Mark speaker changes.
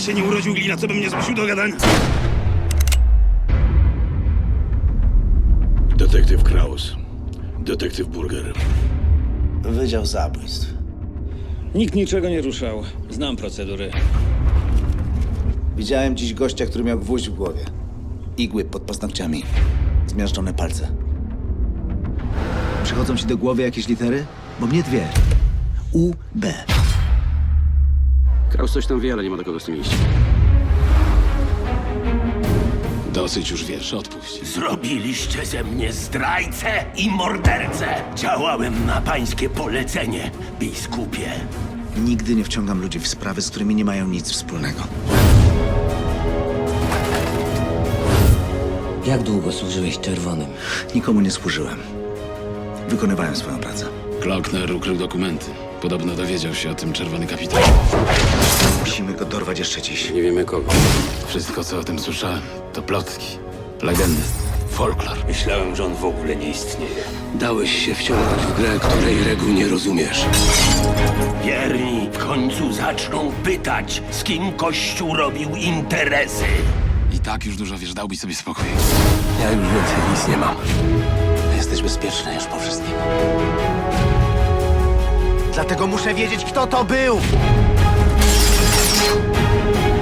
Speaker 1: się nie urodził glina, co by mnie zmusił do gadania.
Speaker 2: Detektyw Kraus. Detektyw Burger.
Speaker 3: Wydział Zabójstw.
Speaker 4: Nikt niczego nie ruszał. Znam procedury.
Speaker 3: Widziałem dziś gościa, który miał gwóźdź w głowie. Igły pod paznokciami. Zmiażdżone palce. Przychodzą ci do głowy jakieś litery? Bo mnie dwie. U, B.
Speaker 5: Kraus coś tam wie, ale nie ma do kogo z tym iść.
Speaker 2: Dosyć już wiesz, odpuść.
Speaker 6: Zrobiliście ze mnie zdrajcę i mordercę. Działałem na pańskie polecenie, biskupie.
Speaker 3: Nigdy nie wciągam ludzi w sprawy, z którymi nie mają nic wspólnego.
Speaker 7: Jak długo służyłeś czerwonym?
Speaker 3: Nikomu nie służyłem. Wykonywałem swoją pracę.
Speaker 2: Klockner ukrył dokumenty. Podobno dowiedział się o tym czerwony kapitan.
Speaker 3: Musimy go dorwać jeszcze dziś.
Speaker 5: Nie wiemy kogo.
Speaker 2: Wszystko, co o tym słyszałem, to plotki, legendy, folklor.
Speaker 6: Myślałem, że on w ogóle nie istnieje.
Speaker 5: Dałeś się wciągnąć w grę, której reguł nie rozumiesz.
Speaker 6: Wierni w końcu zaczną pytać, z kim Kościół robił interesy.
Speaker 2: I tak już dużo wiesz, dałbyś sobie spokój.
Speaker 5: Ja już więcej nic nie mam.
Speaker 3: Jesteś bezpieczny już po wszystkim. Dlatego muszę wiedzieć, kto to był!